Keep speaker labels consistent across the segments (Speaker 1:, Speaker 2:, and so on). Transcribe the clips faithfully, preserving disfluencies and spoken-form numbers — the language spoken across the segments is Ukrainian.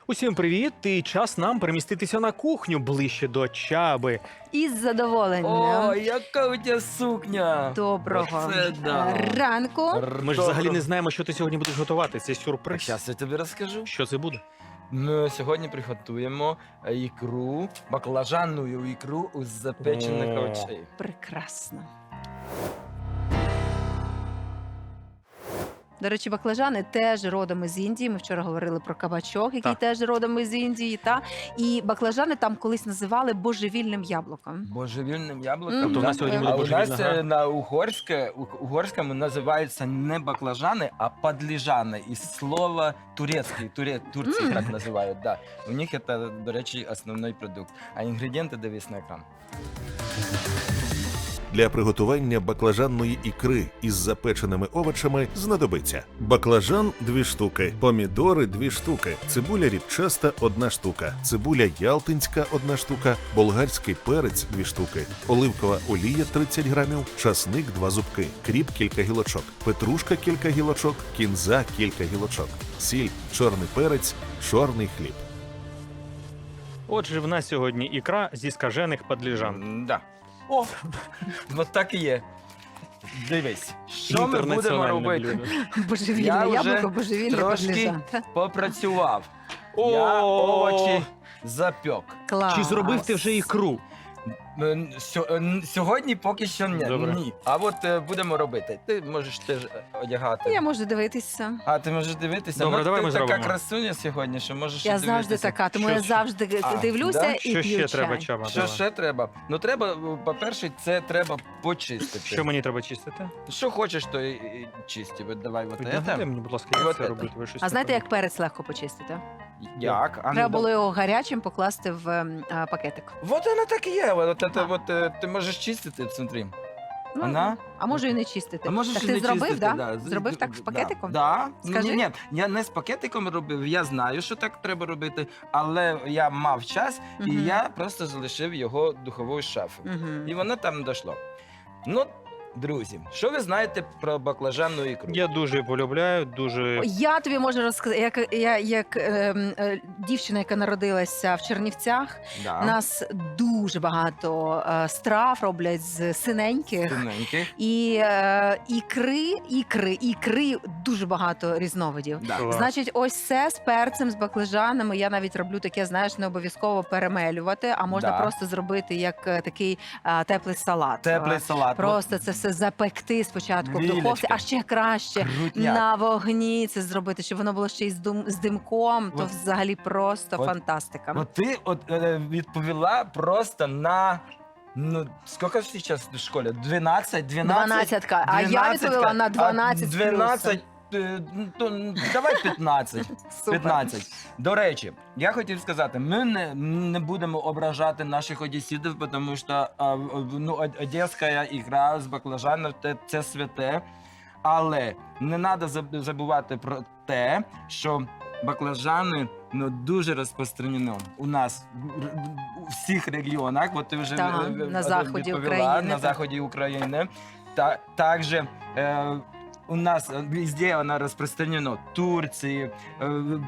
Speaker 1: Усім привіт! І час нам переміститися на кухню ближче до Чаби.
Speaker 2: Із задоволенням.
Speaker 3: О, яка у тебе сукня!
Speaker 2: Доброго
Speaker 3: Оце да.
Speaker 2: ранку.
Speaker 1: Ми ж взагалі не знаємо, що ти сьогодні будеш готувати. Це
Speaker 3: Так,
Speaker 1: сюрприз.
Speaker 3: зараз я тобі розкажу.
Speaker 1: Що це буде?
Speaker 3: Ми сьогодні приготуємо е, ікру, баклажанну ікру з запечених
Speaker 1: О.
Speaker 3: овочей.
Speaker 2: Прекрасно. До речі, баклажани теж родом із Індії. Ми вчора говорили про кабачок, який
Speaker 1: Так.
Speaker 2: теж родом із Індії. Та? І баклажани там колись називали божевільним яблуком.
Speaker 3: Божевільним яблуком.
Speaker 2: Мгм.
Speaker 1: Тобто в нас сьогодні буде
Speaker 3: А у
Speaker 1: божевільна
Speaker 3: нас
Speaker 1: гра.
Speaker 3: е, на угорське, у- угорському називаються не баклажани, а подліжани. Із слова турецький, туре, Турції
Speaker 2: Мм.
Speaker 3: так називають. Да. У них це, до речі, основний продукт. А інгредієнти дивись на екран.
Speaker 4: Для приготування баклажанної ікри із запеченими овочами знадобиться баклажан – дві штуки, помідори – дві штуки, цибуля рібчаста – одна штука, цибуля ялтинська – одна штука, болгарський перець – дві штуки, оливкова олія – тридцять грамів, часник – два зубки, кріп – кілька гілочок, петрушка – кілька гілочок, кінза – кілька гілочок, сіль, чорний перець, чорний хліб.
Speaker 1: Отже, в нас сьогодні ікра зі скажених падліжан.
Speaker 3: М, Да. О, ну так і є. Дивись, що ми будемо
Speaker 1: Інтернаціональне
Speaker 3: робити?
Speaker 1: блюдо.
Speaker 2: Божевільне
Speaker 3: Я вже
Speaker 2: яблуко, божевільне
Speaker 3: трошки
Speaker 2: баклажан. Та?
Speaker 3: Попрацював. Я овочі запек.
Speaker 2: Клас.
Speaker 1: Чи зробив ти вже ікру?
Speaker 3: М, сьо- м, Сьогодні поки що ні.
Speaker 1: Добре.
Speaker 3: ні. А от е, будемо робити. Ти можеш теж е, одягати.
Speaker 2: Я можу дивитися.
Speaker 3: А ти можеш дивитися?
Speaker 1: Добре,
Speaker 3: ну,
Speaker 1: давай
Speaker 3: ти
Speaker 1: ми
Speaker 3: така
Speaker 1: зробимо.
Speaker 3: красуня сьогодні, що можеш
Speaker 2: Я
Speaker 3: дивитися.
Speaker 2: завжди така, тому
Speaker 1: Що-
Speaker 2: я завжди
Speaker 3: А,
Speaker 2: дивлюся
Speaker 3: да?
Speaker 2: і
Speaker 1: Що
Speaker 2: п'ю
Speaker 1: ще
Speaker 2: чай.
Speaker 1: треба, Чаба?
Speaker 3: Що
Speaker 1: Давай.
Speaker 3: ще треба? Ну треба, по-перше, це треба почистити.
Speaker 1: Що мені треба чистити?
Speaker 3: Що хочеш, то і, і чисти. От давай от
Speaker 1: Піднагадайте
Speaker 3: це.
Speaker 1: мені, будь ласка,
Speaker 3: І
Speaker 1: як
Speaker 3: от
Speaker 1: це
Speaker 3: це.
Speaker 1: робити? Ви щось
Speaker 2: А знаєте,
Speaker 1: не
Speaker 2: як перець легко почистити?
Speaker 3: Як? А, ну,
Speaker 2: Треба
Speaker 3: да-
Speaker 2: було його гарячим покласти в ем, а, пакетик.
Speaker 3: Вот воно так і є. От, от,
Speaker 2: А.
Speaker 3: от, е, ти можеш чистити смотри.
Speaker 2: Ну,
Speaker 3: Вона?
Speaker 2: А може і не чистити.
Speaker 3: А можеш
Speaker 2: так
Speaker 3: і
Speaker 2: ти
Speaker 3: не
Speaker 2: зробив,
Speaker 3: чистити,
Speaker 2: да?
Speaker 3: З-
Speaker 2: Зробив так з
Speaker 3: да,
Speaker 2: пакетиком?
Speaker 3: Да.
Speaker 2: Скажи.
Speaker 3: Ні, ні, я не з пакетиком робив, я знаю, що так треба робити, але я мав час, і
Speaker 2: Мгм.
Speaker 3: я просто залишив його духовою шафою.
Speaker 2: Мгм.
Speaker 3: І воно там дійшло. Ну, друзі, що ви знаєте про баклажанну ікру?
Speaker 1: Я дуже полюбляю, дуже...
Speaker 2: Я тобі можу розказати, як, я, як ем, е, дівчина, яка народилася в Чернівцях,
Speaker 3: Да.
Speaker 2: у нас дуже багато е, страв роблять з синеньких.
Speaker 3: Тоненьких.
Speaker 2: І е, ікри, ікри, ікри дуже багато різновидів.
Speaker 3: Да.
Speaker 1: Клас.
Speaker 2: Значить, ось це з перцем, з баклажанами. Я навіть роблю таке, знаєш, не обов'язково перемелювати, а можна
Speaker 3: Да.
Speaker 2: просто зробити як е, такий е, теплий салат.
Speaker 3: Теплий
Speaker 2: Е,
Speaker 3: салат.
Speaker 2: Просто це все запекти спочатку в духовці,
Speaker 3: Лілечка.
Speaker 2: а ще краще
Speaker 3: Крутняк.
Speaker 2: на вогні це зробити, щоб воно було ще й з, дум, з димком, то
Speaker 3: От-
Speaker 2: взагалі просто
Speaker 3: от-
Speaker 2: фантастика.
Speaker 3: Ну ти от е, відповіла просто на. Ну, скільки ж зараз в школі? дванадцять? дванадцять?
Speaker 2: Дванадцятка. А я
Speaker 3: дванадцятка.
Speaker 2: відповіла на дванадцять
Speaker 3: А
Speaker 2: з плюсом.
Speaker 3: дванадцять, е, ну, то, ну, давай п'ятнадцять.
Speaker 2: Супер.
Speaker 3: п'ятнадцять. До речі, я хотів сказати, ми не, не будемо ображати наших одеситів, тому що а, в- ну, од- одеська ікра з баклажаном це, це святе. Але не треба забувати про те, що баклажани ну, дуже розпространено у нас в- в- у всіх регіонах. От ти вже
Speaker 2: Так,
Speaker 3: е, е,
Speaker 2: на
Speaker 3: е,
Speaker 2: заході
Speaker 3: відповіла,
Speaker 2: України,
Speaker 3: на
Speaker 2: так.
Speaker 3: заході України. Та, також е, у нас везде вона розпространено. Турції, е,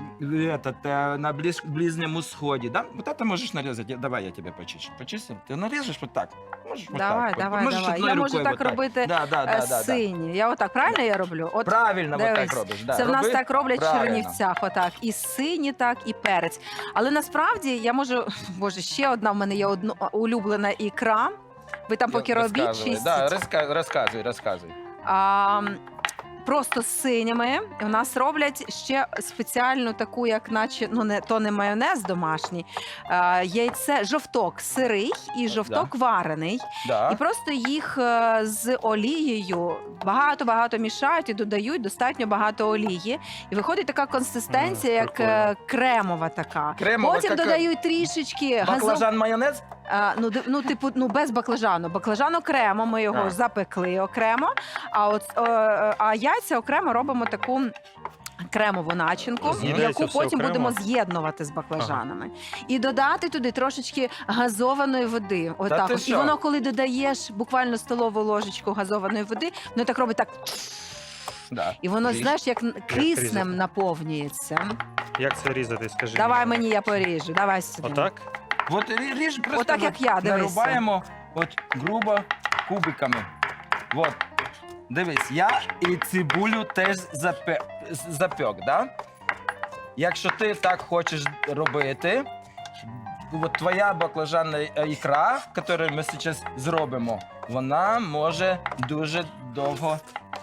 Speaker 3: этот, е, на близ, Ближньому Сході. Да? Вот это можеш нарізати. Я- Давай я тебе почищу. Почистим? Ти наріжеш вот так. Можеш вот
Speaker 2: Давай,
Speaker 3: так.
Speaker 2: давай,
Speaker 3: можеш
Speaker 2: давай.
Speaker 3: одною
Speaker 2: Я можу
Speaker 3: рукою
Speaker 2: так робити,
Speaker 3: Да, да,
Speaker 2: Е,
Speaker 3: да, да, да.
Speaker 2: Сині. Я отак правильно я роблю? От
Speaker 3: Правильно, вот
Speaker 2: дивись,
Speaker 3: так робиш. Да.
Speaker 2: це в нас
Speaker 3: Роби
Speaker 2: так роблять в
Speaker 3: правильно.
Speaker 2: Чернівцях. Отак. І сині, так, і перець. Але насправді я можу. Боже, ще одна в мене є одно, улюблена ікра. Ви там поки робіть
Speaker 3: Розказуй,
Speaker 2: чистіть.
Speaker 3: да, розка- розказуй, розказуй.
Speaker 2: А, просто з синіми у нас роблять ще спеціальну таку, як наче, ну не то не майонез домашній, а, яйце, жовток сирий і жовток варений.
Speaker 3: Да.
Speaker 2: І просто їх е, з олією багато-багато мішають і додають достатньо багато олії. І виходить така консистенція,
Speaker 1: Мм,
Speaker 2: як
Speaker 1: прикольно.
Speaker 2: е, кремова така.
Speaker 3: Кремова,
Speaker 2: Потім
Speaker 3: яка-
Speaker 2: додають трішечки газов...
Speaker 3: Баклажан майонез?
Speaker 2: А, ну, ди- ну, типу, ну без баклажану. Баклажан окремо, ми його
Speaker 3: А.
Speaker 2: запекли окремо. А от е, е, а яйця окремо робимо таку. Кремову начинку,
Speaker 1: З'їдається
Speaker 2: яку
Speaker 1: все
Speaker 2: потім
Speaker 1: окремо?
Speaker 2: будемо з'єднувати з баклажанами. І додати туди трошечки газованої води. Отак.
Speaker 3: ти
Speaker 2: От. І
Speaker 3: що?
Speaker 2: воно, коли додаєш буквально столову ложечку газованої води, воно так робить так.
Speaker 3: Да.
Speaker 2: І воно,
Speaker 3: Ріж.
Speaker 2: знаєш, як н-
Speaker 1: різати?
Speaker 2: киснем наповнюється.
Speaker 1: Як це різати, скажи?
Speaker 2: Давай мені, я поріжу. Давай сюди.
Speaker 1: Отак?
Speaker 3: От рі- ріж просто
Speaker 2: Отак, як
Speaker 3: от
Speaker 2: я, дивися.
Speaker 3: нарубаємо от грубо кубиками. От. Дивись, я і цибулю теж запе... запек, да? Якщо ти так хочеш робити, от твоя баклажанна ікра, яку ми зараз зробимо, вона може дуже довго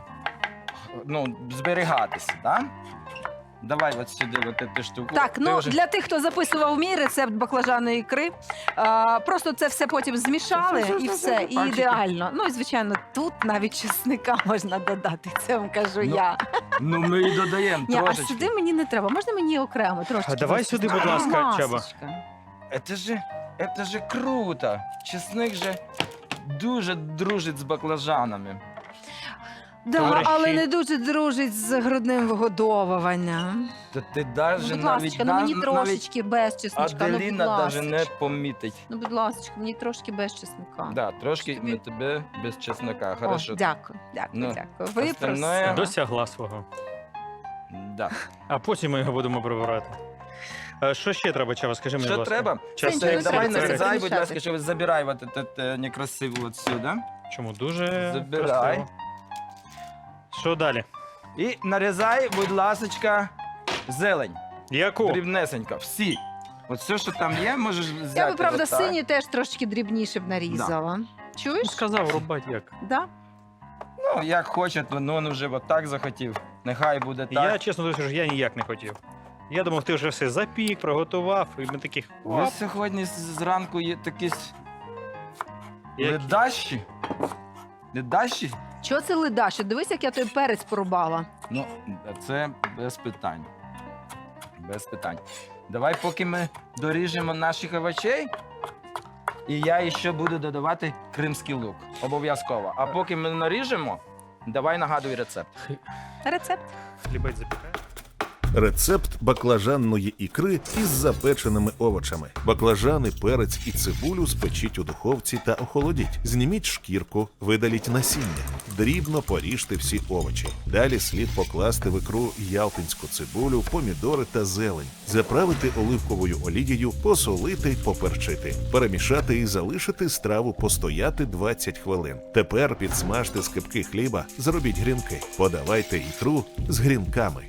Speaker 3: ну, зберігатися, да? Давай от сюди от цю штуку.
Speaker 2: Так,
Speaker 3: Ти
Speaker 2: ну
Speaker 3: вже-
Speaker 2: для тих, хто записував мій рецепт баклажаної ікри, а, просто це все потім змішали
Speaker 3: Все, все,
Speaker 2: і
Speaker 3: все,
Speaker 2: все,
Speaker 3: все,
Speaker 2: і
Speaker 3: пальчики.
Speaker 2: ідеально. Ну і звичайно, тут навіть чесника можна додати. Це вам кажу
Speaker 3: Ну,
Speaker 2: я.
Speaker 3: Ну, ми і додаємо
Speaker 2: Ні, а
Speaker 3: трошечки.
Speaker 2: сюди мені не треба. Можна мені окремо трошки?
Speaker 1: А давай сюди, будь ласка, Чаба.
Speaker 3: Это же, это же круто. Чесник же дуже дружить з баклажанами.
Speaker 2: Да,
Speaker 1: Товариші.
Speaker 2: але не дуже дружить з грудним вигодовуванням.
Speaker 3: То ти
Speaker 2: Ну,
Speaker 3: даже
Speaker 2: будь
Speaker 3: навіть,
Speaker 2: ласка, ну мені
Speaker 3: нав-
Speaker 2: трошечки без чесничка. Ну, будь
Speaker 3: Аделіна навіть не
Speaker 2: ласка.
Speaker 3: помітить.
Speaker 2: Ну, будь ласка, мені трошки без чесника.
Speaker 3: Да, трошки
Speaker 2: Тобі-
Speaker 3: ми тебе без чеснока.
Speaker 2: О,
Speaker 3: Хорошо.
Speaker 2: дякую, дякую,
Speaker 3: Ну,
Speaker 2: дякую. Ви
Speaker 3: остальное-
Speaker 2: просили.
Speaker 1: Досягла свого.
Speaker 3: Да.
Speaker 1: А потім ми його будемо прибирати. Е, Що ще треба, Чаба? Скажи мені,
Speaker 3: Що
Speaker 1: будь ласка.
Speaker 3: треба?
Speaker 1: Чесник,
Speaker 2: Нічого не
Speaker 3: Давай
Speaker 2: треба, це
Speaker 3: нарізай, будь
Speaker 2: перемішати.
Speaker 3: ласка, щоб забирай вот этот е, некрасиву от сюди.
Speaker 1: Чому? Дуже
Speaker 3: Забирай.
Speaker 1: красиво. Що далі?
Speaker 3: І нарізай, будь ласка, зелень.
Speaker 1: Яку?
Speaker 3: Дрібнесенько. Всі. От все, що там є, можеш взяти.
Speaker 2: Я би, правда,
Speaker 3: отак.
Speaker 2: сині теж трошки дрібніше б нарізала.
Speaker 1: Ну,
Speaker 2: Чуєш?
Speaker 1: сказав, рубати як.
Speaker 2: Да?
Speaker 3: Ну, як хоче, то ну, він вже от так захотів. Нехай буде так.
Speaker 1: Я, чесно кажучи, я ніяк не хотів. Я думав, ти вже все запік, приготував, і ми таких.
Speaker 3: Ви
Speaker 1: Оп,
Speaker 3: сьогодні з- зранку є такі с-
Speaker 1: які.
Speaker 3: ледащі. Ледащі?
Speaker 2: Чого це ледаще? Дивись, як я той перець порубала.
Speaker 3: Ну, це без питань. Без питань. Давай, поки ми доріжемо наших овочей, і я ще буду додавати кримський лук. Обов'язково. А поки ми наріжемо, давай нагадуй рецепт.
Speaker 2: Рецепт.
Speaker 1: Хлібець запікає.
Speaker 4: Рецепт баклажанної ікри із запеченими овочами. Баклажани, перець і цибулю спечіть у духовці та охолодіть. Зніміть шкірку, видаліть насіння. Дрібно поріжте всі овочі. Далі слід покласти в ікру ялтинську цибулю, помідори та зелень. Заправити оливковою олією, посолити, поперчити. Перемішати і залишити страву постояти двадцять хвилин. Тепер підсмажте скибки хліба, зробіть грінки. Подавайте ікру з грінками.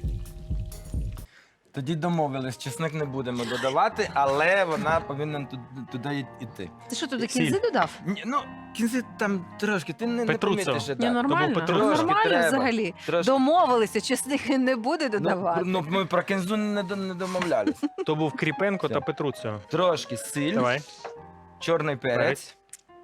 Speaker 3: Тоді домовились, чесник не будемо додавати, але вона повинна ту- туди йти.
Speaker 2: Ти що туди
Speaker 1: Сіль.
Speaker 2: кінзи додав?
Speaker 3: Ні, ну, кінці там трошки, ти не, не
Speaker 1: Петруцо.
Speaker 3: помітиш.
Speaker 2: Ні,
Speaker 3: так.
Speaker 2: нормально.
Speaker 1: Петро-
Speaker 2: Ну,
Speaker 3: Трошки
Speaker 2: нормально
Speaker 3: треба.
Speaker 2: взагалі.
Speaker 3: Трошки.
Speaker 2: Домовилися, чесник не буде додавати.
Speaker 3: Ну, ну, ми про кінзу не, до- не домовлялись.
Speaker 1: То був Кріпенко
Speaker 3: Все.
Speaker 1: та Петруцьо.
Speaker 3: Трошки сіль,
Speaker 1: Давай.
Speaker 3: чорний перець,
Speaker 1: Перець.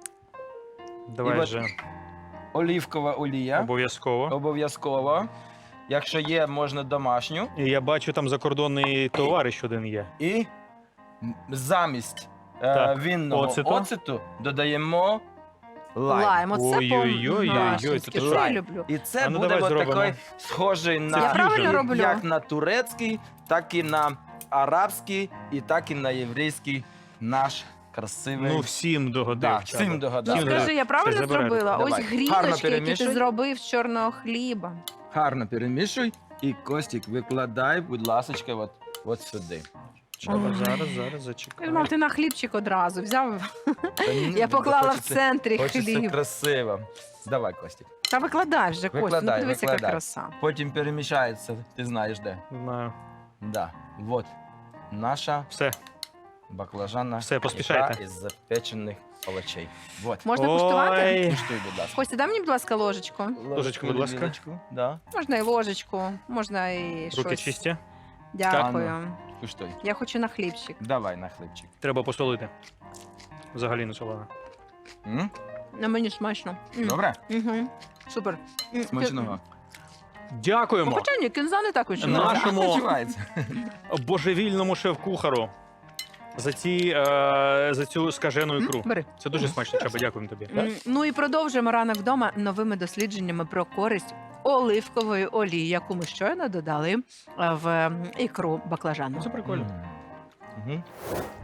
Speaker 1: Давай
Speaker 3: І от
Speaker 1: вже.
Speaker 3: олівкова олія.
Speaker 1: Обов'язково.
Speaker 3: Обов'язково. Якщо є, можна домашню.
Speaker 1: І я бачу, там закордонний товариш один є.
Speaker 3: І м, замість е,
Speaker 1: Так,
Speaker 3: вінного
Speaker 1: оцету.
Speaker 3: оцету. додаємо лайм.
Speaker 2: Лайм, оце
Speaker 1: Ой-ой-ой-ой-ой,
Speaker 2: по-нашенськи,
Speaker 1: це
Speaker 2: що я
Speaker 3: лайм.
Speaker 2: люблю.
Speaker 3: І це
Speaker 1: А ну,
Speaker 3: буде
Speaker 1: давай
Speaker 3: от
Speaker 1: зробимо.
Speaker 3: такий схожий на
Speaker 2: Я правильно
Speaker 1: фьюжн.
Speaker 2: роблю?
Speaker 3: як на турецький, так і на арабський, і так і на єврейський наш красивий.
Speaker 1: Ну, всім догодив.
Speaker 3: да,
Speaker 1: Чаба.
Speaker 3: всім
Speaker 2: Ну,
Speaker 3: догадав.
Speaker 1: Всім
Speaker 2: скажи, я правильно
Speaker 1: Все, забирай.
Speaker 2: зробила?
Speaker 3: Давай.
Speaker 2: Ось
Speaker 3: Гарно
Speaker 2: гріночки, які ти
Speaker 3: перемішуй.
Speaker 2: зробив з чорного хліба.
Speaker 3: Гарно перемішуй і Костік викладай, будь ласка, от, от сюди.
Speaker 1: Чаба,
Speaker 2: Ой.
Speaker 1: зараз, зараз,
Speaker 2: Я
Speaker 1: зачекай.
Speaker 2: думав, ти на хлібчик одразу взяв.
Speaker 3: Та ні,
Speaker 2: Я поклала в
Speaker 3: хочеться-
Speaker 2: центрі
Speaker 3: Хочеться
Speaker 2: хліб.
Speaker 3: красиво. Давай, Костік.
Speaker 2: Та викладай вже, Костя, ну
Speaker 3: Викладай,
Speaker 2: подивись, яка
Speaker 3: викладай.
Speaker 2: краса.
Speaker 3: Потім перемішається, ти знаєш де.
Speaker 1: Знаю.
Speaker 3: Да. Вот. Наша
Speaker 1: Все.
Speaker 3: баклажанна
Speaker 1: Все, поспішайте.
Speaker 3: ікра із запечених овочей. Вот.
Speaker 2: Можна куштувати?
Speaker 1: Ой.
Speaker 3: Куштуй, будь ласка.
Speaker 2: Костя, дай мені, будь ласка, ложечку.
Speaker 1: Ложечку, будь ласка.
Speaker 3: вілочку. Да.
Speaker 2: Можна і ложечку, можна і
Speaker 1: Руки
Speaker 2: щось.
Speaker 1: чисті.
Speaker 2: Дякую.
Speaker 3: Куштуй.
Speaker 2: Я хочу на хлібчик.
Speaker 3: Давай на хлібчик.
Speaker 1: Треба посолити. Взагалі не солена.
Speaker 3: М?
Speaker 2: На мені смачно. М.
Speaker 3: Добре?
Speaker 2: Угу. Супер. М,
Speaker 3: Смачного.
Speaker 2: Ну,
Speaker 1: Дякуємо
Speaker 2: хоча ні, кінза не так
Speaker 1: На-
Speaker 2: відчувала.
Speaker 1: Нашому-
Speaker 3: Відчувається.
Speaker 1: божевільному шеф-кухару за, ці, е, за цю скажену ікру.
Speaker 2: Бери.
Speaker 1: Це дуже смачно, Чаба, дякуємо тобі.
Speaker 2: М, Ну і продовжуємо ранок вдома новими дослідженнями про користь оливкової олії, яку ми щойно додали е, в м, ікру баклажану.
Speaker 1: Це прикольно.
Speaker 3: Мгм.